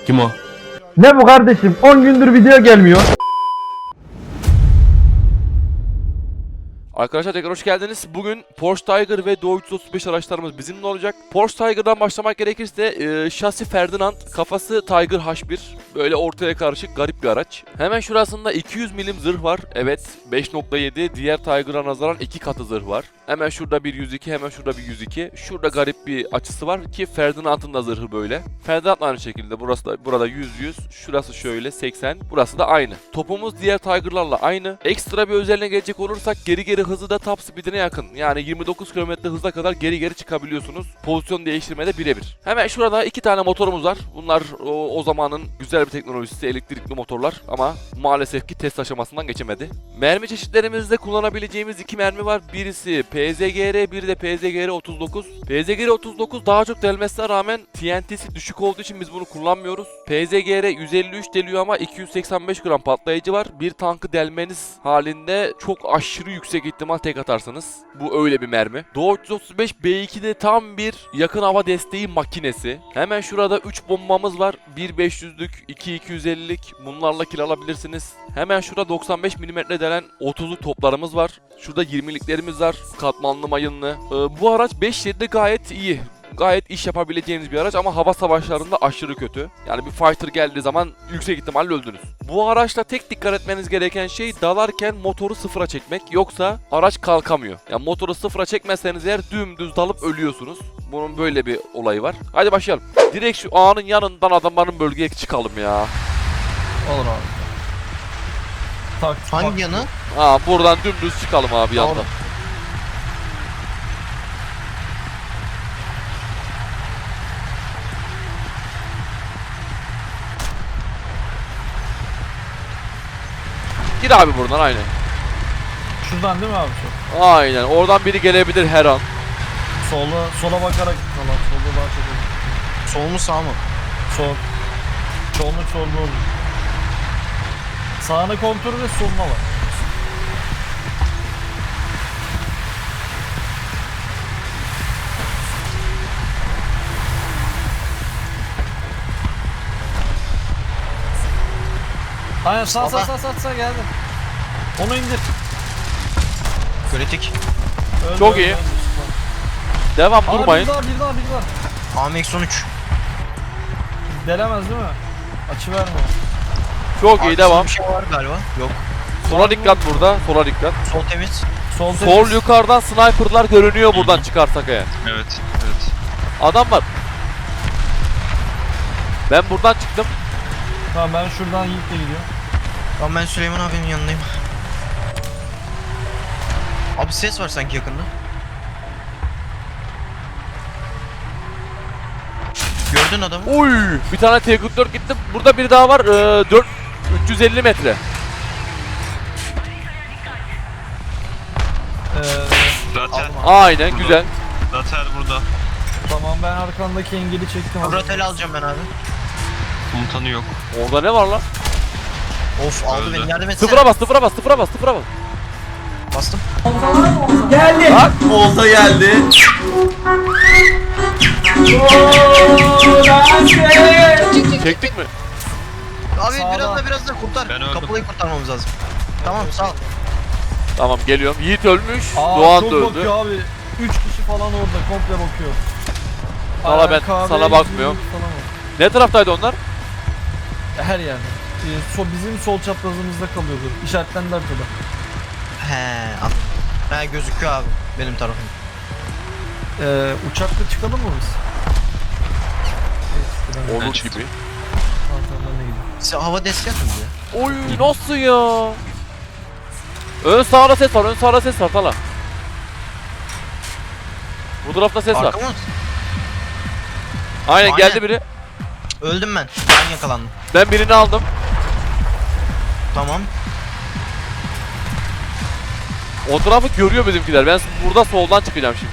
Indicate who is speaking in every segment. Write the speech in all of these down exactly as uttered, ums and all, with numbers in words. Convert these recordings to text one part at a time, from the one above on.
Speaker 1: Kim o?
Speaker 2: Ne bu kardeşim? on gündür video gelmiyor.
Speaker 3: Arkadaşlar tekrar hoş geldiniz. Bugün Porsche Tayger ve Doğu üç yüz otuz beş araçlarımız bizimle olacak. Porsche Tayger'dan başlamak gerekirse e, şasi Ferdinand, kafası Tiger H bir. Böyle ortaya karışık garip bir araç. Hemen şurasında iki yüz milim zırh var. Evet, beş nokta yedi. Diğer Tiger'a nazaran iki katı zırh var. Hemen şurada bir yüz iki, hemen şurada bir yüz iki. Şurada garip bir açısı var ki Ferdinand'ın da zırhı böyle. Ferdinand aynı şekilde. Burası da burada yüz yüz. Şurası şöyle seksen. Burası da aynı. Topumuz diğer Tiger'larla aynı. Ekstra bir özelliğine gelecek olursak geri geri hızı da top speed'ine yakın. Yani yirmi dokuz kilometre hıza kadar geri geri çıkabiliyorsunuz. Pozisyon değiştirmede birebir. Hemen şurada iki tane motorumuz var. Bunlar o, o zamanın güzel bir teknolojisi, elektrikli motorlar ama maalesef ki test aşamasından geçemedi. Mermi çeşitlerimizde kullanabileceğimiz iki mermi var. Birisi P Z G R, biri de P Z G R otuz dokuz. P Z G R otuz dokuz daha çok delmesine rağmen T N T'si düşük olduğu için biz bunu kullanmıyoruz. P Z G R yüz elli üç deliyor ama iki yüz seksen beş gram patlayıcı var. Bir tankı delmeniz halinde çok aşırı yüksek ihtimal tek atarsınız. Bu öyle bir mermi. Doğu üç yüz otuz beş B iki'de tam bir yakın hava desteği makinesi. Hemen şurada üç bombamız var. bir beş yüzlük, iki iki yüz ellilik. Bunlarla kill alabilirsiniz. Hemen şurada doksan beş milimetre delen otuzluk toplarımız var. Şurada yirmiliklerimiz var. Katmanlı mayınlı. Ee, bu araç beş şeritli gayet iyi. Gayet iş yapabileceğiniz bir araç ama hava savaşlarında aşırı kötü. Yani bir fighter geldiği zaman yüksek ihtimalle öldünüz. Bu araçta tek dikkat etmeniz gereken şey dalarken motoru sıfıra çekmek. Yoksa araç kalkamıyor. Yani motoru sıfıra çekmezseniz eğer dümdüz dalıp ölüyorsunuz. Bunun böyle bir olayı var. Hadi başlayalım. Direkt şu ağanın yanından adamların bölgeye çıkalım ya.
Speaker 4: Olur abi. Tak,
Speaker 5: Hangi
Speaker 4: tak.
Speaker 5: yanı?
Speaker 3: Ha buradan dümdüz çıkalım abi yandan. Gir abi buradan aynen.
Speaker 4: Şuradan değil mi abi şu?
Speaker 3: Aynen oradan biri gelebilir her an.
Speaker 4: Sola, sola bakarak falan. Solda daha çok olur.
Speaker 5: Sol mu sağ mı?
Speaker 4: Sol. Solunu solda olur. Sağına kontrol ve soluna var. Aynen sağ sağ sağ sağ sağ geldi. Onu indir.
Speaker 5: Kritik.
Speaker 4: Öldü,
Speaker 3: Çok
Speaker 4: öldü,
Speaker 3: iyi.
Speaker 4: öldü.
Speaker 3: Devam
Speaker 4: Aa,
Speaker 3: durmayın.
Speaker 4: Bir daha bir daha bir daha.
Speaker 5: A M X on üç.
Speaker 4: Delemez değil mi? Açı verme.
Speaker 3: Çok iyi devam.
Speaker 5: Bir şey var galiba. Yok.
Speaker 3: Sola dikkat burada. Sola dikkat.
Speaker 5: Sol temiz.
Speaker 4: Sol,
Speaker 3: Sol
Speaker 4: temiz.
Speaker 3: yukarıdan sniperlar görünüyor buradan çıkarsak eğer.
Speaker 6: Evet, evet.
Speaker 3: Adam var. Ben buradan çıktım.
Speaker 4: Tamam ben şuradan Yiğit'le gidiyorum.
Speaker 5: Tamam ben Süleyman abinin yanındayım. Abi ses var sanki yakında. Gördün adamı.
Speaker 3: Uy, bir tane T kırk dört gitti. Burada biri daha var. Ee, dört üç yüz elli metre.
Speaker 4: Ee,
Speaker 6: Zaten,
Speaker 3: Aynen
Speaker 6: Burada.
Speaker 3: güzel.
Speaker 6: zaten burada.
Speaker 4: tamam ben arkandaki engeli çektim.
Speaker 5: Ratel alacağım ben abi.
Speaker 6: Komutanı yok.
Speaker 3: Orada ne var lan?
Speaker 5: Of aldı
Speaker 6: Öldü.
Speaker 5: beni, yardım etsene.
Speaker 3: Sıfıra bas, sıfıra bas, sıfıra bas, sıfıra bas.
Speaker 5: Bastım.
Speaker 1: Olta geldi.
Speaker 3: Çektik mi?
Speaker 5: Abi
Speaker 4: Sağda.
Speaker 5: biraz da biraz da kurtar.
Speaker 6: Ben öldüm.
Speaker 5: Kapılayı kurtarmamız lazım. Tamam sağ ol.
Speaker 3: Tamam geliyorum. Yiğit ölmüş.
Speaker 4: Aa,
Speaker 3: Doğan
Speaker 4: çok
Speaker 3: da öldü.
Speaker 4: bakıyor abi. üç kişi falan orada komple bakıyor.
Speaker 3: Valla
Speaker 4: Aa,
Speaker 3: ben
Speaker 4: kahve,
Speaker 3: sana bakmıyorum.
Speaker 4: yüzüğü falan var.
Speaker 3: Ne taraftaydı onlar?
Speaker 4: Her yerde. Ee, so, bizim sol çaprazımızda kalıyordu. İşaretlendi arkada.
Speaker 5: He al. He gözüküyor abi benim tarafım.
Speaker 4: Ee, uçakla çıkalım mı biz? Evet,
Speaker 3: Olur
Speaker 6: çıktım.
Speaker 3: gibi.
Speaker 4: Arkadan ne gidiyor?
Speaker 5: Size hava desteği atın ya.
Speaker 3: Oy nasıl ya? Ön sağda ses var, ön sağda ses var Tala. Bu tarafta ses var.
Speaker 5: Arka mı?
Speaker 3: Aynen
Speaker 5: Aynen.
Speaker 3: geldi biri.
Speaker 5: Öldüm ben. Ben yakalandım.
Speaker 3: Ben birini aldım.
Speaker 5: Tamam.
Speaker 3: O tarafı görüyor bizimkiler. Ben burada soldan çıkacağım şimdi.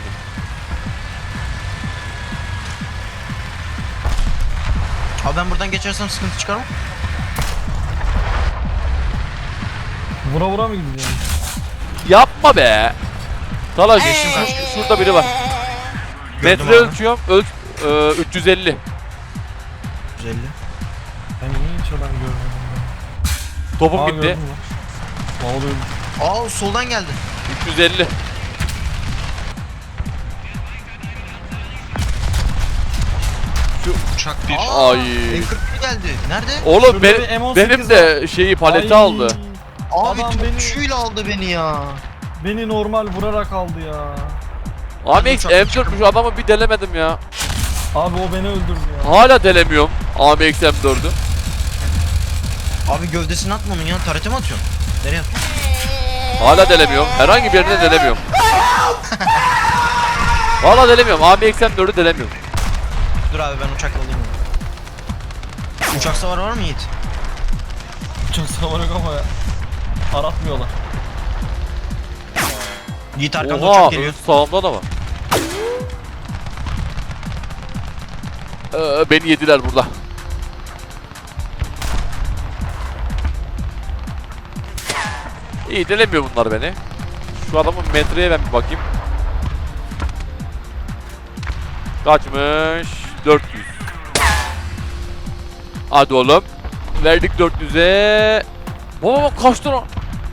Speaker 5: Abi ben buradan geçersem sıkıntı çıkar mı?
Speaker 4: Vura vura mı gidiyor?
Speaker 3: Yapma be. Tala geçtim. Şu- şurada biri var.
Speaker 5: Gördüm
Speaker 3: Metre
Speaker 5: abi.
Speaker 3: ölçüyorum. Ölç e, üç yüz elli.
Speaker 5: yüz elli.
Speaker 4: ben görmedim.
Speaker 3: Topum
Speaker 4: Aa,
Speaker 3: gitti.
Speaker 4: gördün mü? Ne oluyor?
Speaker 5: Aa soldan geldi.
Speaker 3: üç yüz elli.
Speaker 6: Uçak bir.
Speaker 5: Aa,
Speaker 3: Ay.
Speaker 5: M kırk bir geldi. Nerede?
Speaker 3: Oğlum
Speaker 4: Şurada
Speaker 3: be-
Speaker 4: bir M on sekiz
Speaker 3: benim de şeyi paleti
Speaker 4: Ay,
Speaker 3: aldı.
Speaker 5: Abi
Speaker 4: Adam beni-
Speaker 5: topçuyla aldı beni ya.
Speaker 4: Beni normal vurarak aldı ya.
Speaker 3: A M X
Speaker 5: uçak-
Speaker 3: M dört şu adamı bir delemedim ya.
Speaker 4: Abi o beni öldürdü ya.
Speaker 3: Hala delemiyorum A M X M dördü.
Speaker 5: Abi gövdesini atma onun ya. Tarete mi atıyorsun? Nereye atıyorsun?
Speaker 3: Hala delemiyorum. Herhangi bir yerine delemiyorum. Valla delemiyorum. A M X M dördü delemiyorum.
Speaker 5: Dur abi ben uçakla alayım onu. Uçak savarı var mı Yiğit?
Speaker 4: Çok savar yok ama ya. Aratmıyorlar.
Speaker 5: Yiğit arkamda
Speaker 3: Oha,
Speaker 5: uçak geliyor.
Speaker 3: ön sağımda da var. Ee, beni yediler burada. İyi delemiyor bunlar beni. Şu adamın metreye ben bir bakayım. Kaçmış? dört yüz. Hadi oğlum. Verdik dört yüze. Baba bak kaçtı lan.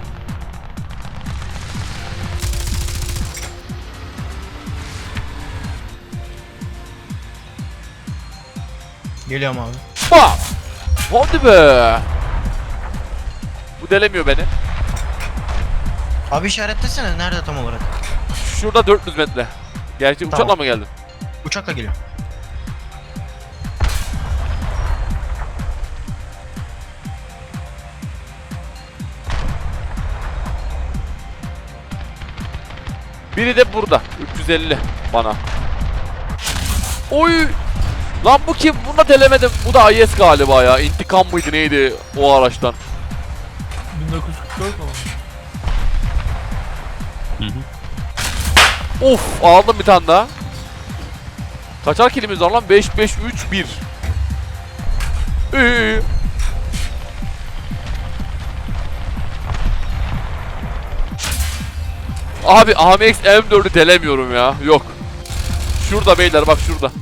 Speaker 5: Geliyorum abi.
Speaker 3: Bak. Hadi be. Bu delemiyor beni.
Speaker 5: Abi işaretlesene nerede tam olarak?
Speaker 3: Şurada dört yüz metre. Gerçi
Speaker 5: Tamam.
Speaker 3: uçakla mı geldin?
Speaker 5: Uçakla geliyor.
Speaker 3: Biri de burada. üç yüz elli bana. Oy! Lan bu kim? Bunu da delemedim. Bu da I S galiba ya. İntikam mıydı neydi o araçtan?
Speaker 4: bin dokuz yüz kırk dört mu?
Speaker 6: Hı hı.
Speaker 3: Of! Aldım bir tane daha. Kaçar kilimiz var lan? beş beş üç bir. İyi. Abi A M X M dördü delemiyorum ya. Yok. Şurada beyler bak şurada.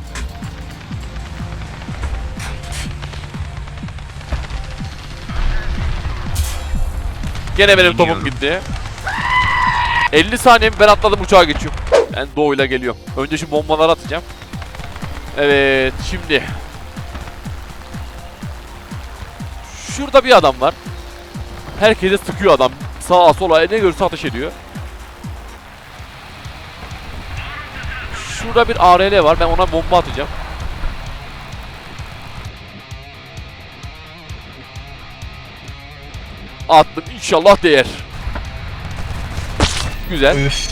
Speaker 3: Gene benim topum gitti. elli saniyemi ben atladım uçağa geçiyorum. Ben doğuyla geliyorum. Önce şu bombaları atacağım. Evet şimdi. Şurada bir adam var. Herkese sıkıyor adam. Sağa sola ne görürse ateş ediyor. Şurada bir A R L var. Ben ona bomba atacağım. Attım. İnşallah değer. Güzel.
Speaker 5: Üf.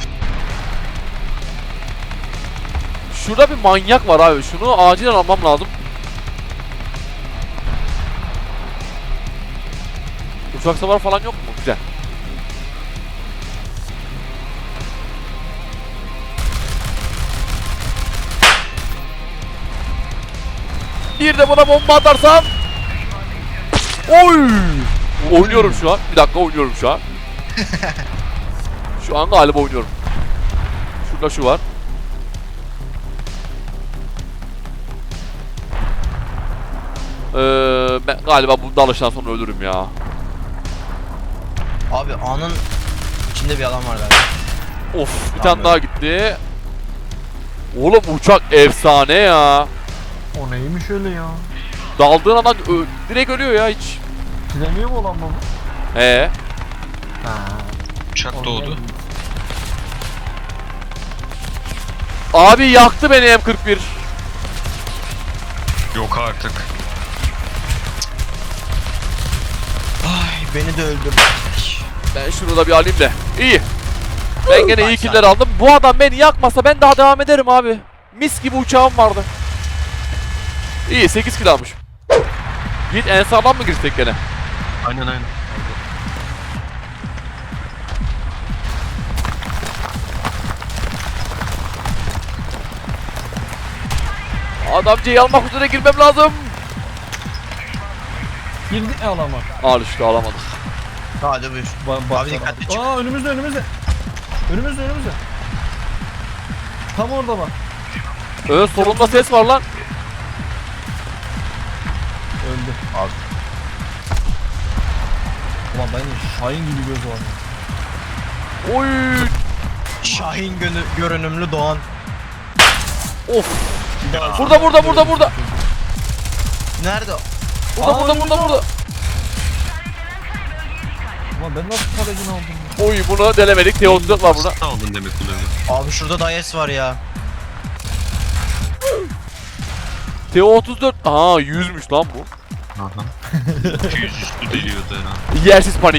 Speaker 3: Şurada bir manyak var abi. Şunu acilen almam lazım. Uçak savar falan yok mu? Güzel. Bir de buna bomba atarsam. Oy! Oynuyorum şu an. Bir dakika oynuyorum şu an. Şu an galiba oynuyorum. Şurada şu var. Ee, ben galiba bunda alıştan sonra ölürüm ya.
Speaker 5: Abi A'nın içinde bir adam var galiba.
Speaker 3: Of bir
Speaker 5: Tamam,
Speaker 3: tane daha gitti. Oğlum uçak efsane ya.
Speaker 4: O neymiş öyle ya?
Speaker 3: Daldığın anda ö- direkt ölüyor ya hiç.
Speaker 4: Bilemiyor mu olan baba?
Speaker 3: He.
Speaker 4: Ha.
Speaker 6: Uçak doğdu.
Speaker 3: Abi yaktı beni M kırk bir.
Speaker 6: Yok artık.
Speaker 5: Ay beni de öldürdü.
Speaker 3: Ben şunu da bir alayım da. İyi. Ben gene iyi killer aldım. Bu adam beni yakmasa ben daha devam ederim abi. Mis gibi uçağım vardı. İyi sekiz kill almışım. Git en sağlam mı girsek gene?
Speaker 6: Aynen aynen.
Speaker 3: Adamcıyı almak üzere girmem lazım.
Speaker 4: Girdik mi alama?
Speaker 3: Al işte alamadım.
Speaker 5: Hadi buyur.
Speaker 4: Ba
Speaker 5: Abi dikkatli çık.
Speaker 4: Aa önümüzde önümüzde. Önümüzde önümüzde. Tam orada bak.
Speaker 3: Ön solunda ses var lan.
Speaker 4: Öldü. Ulan benim Şahin gibi göz var.
Speaker 3: Oy.
Speaker 5: Şahin gönü, görünümlü Doğan.
Speaker 3: Of. Burada burada burada burada.
Speaker 5: Nerede?
Speaker 3: Burada
Speaker 4: Aa,
Speaker 3: burada
Speaker 4: önümüzde
Speaker 3: burada
Speaker 4: var.
Speaker 3: burada.
Speaker 4: Ulan ben nasıl kalecini aldım ya?
Speaker 3: Oy bunu delemedik. T otuz dört var burada.
Speaker 6: Nasıl aldın demek bunu?
Speaker 5: Abi şurada Dayes var ya.
Speaker 3: T otuz dört. Aa yüzmüş lan bu.
Speaker 6: Aha. iki yüz üstü deliyordu herhalde.
Speaker 3: Yersiz panik.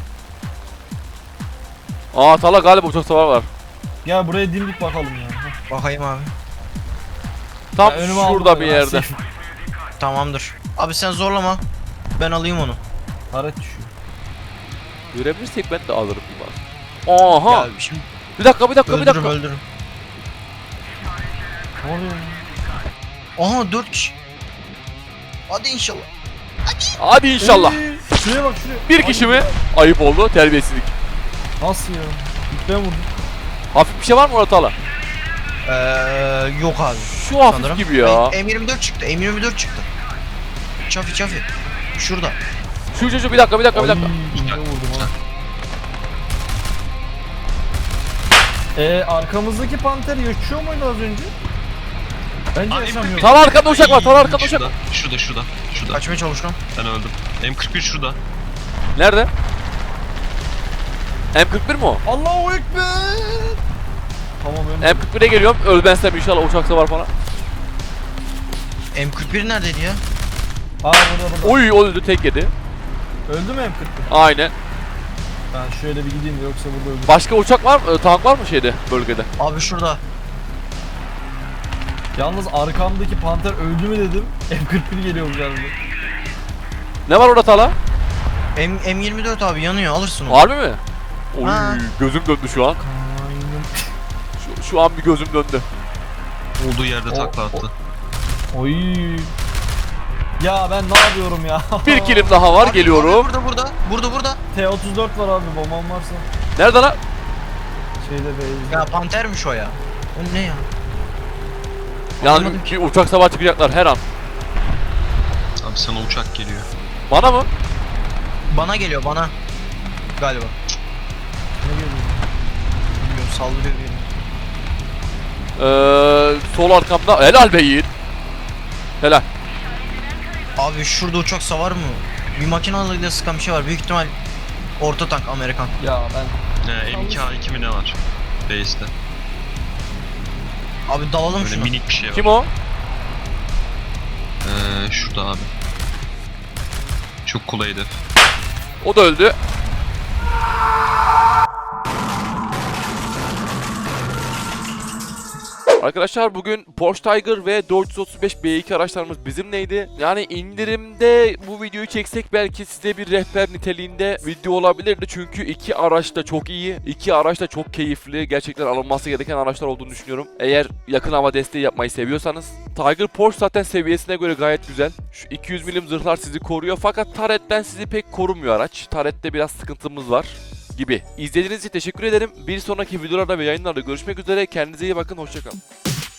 Speaker 3: Aa Tala galiba uçak savar var.
Speaker 4: Gel buraya dimdik bakalım ya. Heh.
Speaker 5: Bakayım abi.
Speaker 3: Tam
Speaker 4: Ya önüme aldım
Speaker 3: şurada bir
Speaker 4: böyle,
Speaker 3: yerde.
Speaker 4: nasıl-
Speaker 5: Tamamdır. Abi sen zorlama. Ben alayım onu.
Speaker 4: Taret düşüyor.
Speaker 3: Görebilirsek ben de alırım bir bak. Aha.
Speaker 5: Ya şimdi
Speaker 3: Bir dakika bir dakika bir
Speaker 5: öldürürüm
Speaker 3: dakika.
Speaker 5: öldürürüm.
Speaker 4: Ne oluyor ya?
Speaker 5: Aha dört kişi. Hadi inşallah.
Speaker 3: Hadi inşallah.
Speaker 4: Ey, şuraya bak şuraya.
Speaker 3: Bir kişi mi? Ayıp oldu. Terbiyesizlik.
Speaker 4: Nasıl ya? Ben vurdum.
Speaker 3: Hafif bir şey var mı orada Tala?
Speaker 5: Ee, yok abi.
Speaker 3: Şu hafif
Speaker 5: Sanırım.
Speaker 3: gibi ya.
Speaker 5: M yirmi dört çıktı. M yirmi dört çıktı. Çafi çafi. Şurada.
Speaker 3: Şu şu şu bir dakika bir dakika bir dakika.
Speaker 4: Ay, ne vurdum ha. Eee arkamızdaki panter yaşıyor muydu az önce? Bence
Speaker 6: Abi,
Speaker 4: yaşamıyor.
Speaker 3: Tala arkada uçak var. Tala arkada uçak
Speaker 6: Şurada,
Speaker 3: var.
Speaker 6: şurada, şurada, şurada.
Speaker 5: Kaçmaya çalışıyorum.
Speaker 6: Ben öldüm. M kırk bir şurada.
Speaker 3: Nerede? M kırk bir mi o?
Speaker 4: Allahu Ekber. Tamam öyle.
Speaker 3: M kırk bire geliyorum. Ölmezsem inşallah uçak savar falan.
Speaker 5: M kırk bir neredeydi ya?
Speaker 4: Aa burada burada.
Speaker 3: Oy o öldü tek yedi.
Speaker 4: Öldü mü M kırk bir?
Speaker 3: Aynen.
Speaker 4: Ben şöyle bir gideyim de yoksa burada öldü.
Speaker 3: Başka uçak var mı? Tank var mı şeyde bölgede?
Speaker 5: Abi şurada.
Speaker 4: Yalnız arkamdaki panter öldü mü dedim. M kırk bir geliyor geldi.
Speaker 3: Ne var orada Tala?
Speaker 5: M, M yirmi dört abi yanıyor alırsın onu.
Speaker 3: Harbi mi? Oy
Speaker 5: Ha.
Speaker 3: gözüm döndü şu an. Şu, şu an bir gözüm döndü.
Speaker 6: Olduğu yerde
Speaker 4: O-
Speaker 6: takla attı.
Speaker 4: Oy. Ya ben ne yapıyorum ya?
Speaker 3: Bir kilim daha var
Speaker 5: Abi,
Speaker 3: geliyorum.
Speaker 5: abi burada burada. Burada burada.
Speaker 4: T otuz dört var abi bombam varsa.
Speaker 3: Nerede lan?
Speaker 4: Şeyde be.
Speaker 5: Ya pantermiş o ya. O ne ya?
Speaker 3: Yani
Speaker 5: Anlamadım
Speaker 3: ki uçak sabah çıkacaklar her an.
Speaker 6: Abi sana uçak geliyor.
Speaker 3: Bana mı?
Speaker 5: Bana geliyor bana. Galiba.
Speaker 4: Ne geliyor?
Speaker 5: Bilmiyorum saldırıyor bir.
Speaker 3: Ee, sol arkamda. Helal be Yiğit. Helal.
Speaker 5: Abi şurada uçak savar mı? Bir makinalarıyla sıkan bir şey var. Büyük ihtimal orta tank Amerikan.
Speaker 4: Ya ben
Speaker 6: Ee, M iki A iki mi ne var? Base'de.
Speaker 5: Abi dalalım
Speaker 6: Böyle
Speaker 5: şunu.
Speaker 6: minik bir şey var.
Speaker 3: Kim o?
Speaker 6: Ee, şurada abi. Çok kolay hedef.
Speaker 3: O da öldü. Arkadaşlar bugün Porsche Tiger ve dört yüz otuz beş B iki araçlarımız bizimleydi. Yani indirimde bu videoyu çeksek belki size bir rehber niteliğinde video olabilirdi. Çünkü iki araç da çok iyi. İki araç da çok keyifli. Gerçekten alınması gereken araçlar olduğunu düşünüyorum. Eğer yakın hava desteği yapmayı seviyorsanız. Tiger Porsche zaten seviyesine göre gayet güzel. Şu iki yüz milim zırhlar sizi koruyor. Fakat Turret'ten sizi pek korumuyor araç. Turret'te biraz sıkıntımız var gibi. İzlediğiniz için teşekkür ederim. Bir sonraki videolarda ve yayınlarda görüşmek üzere. Kendinize iyi bakın. Hoşçakalın.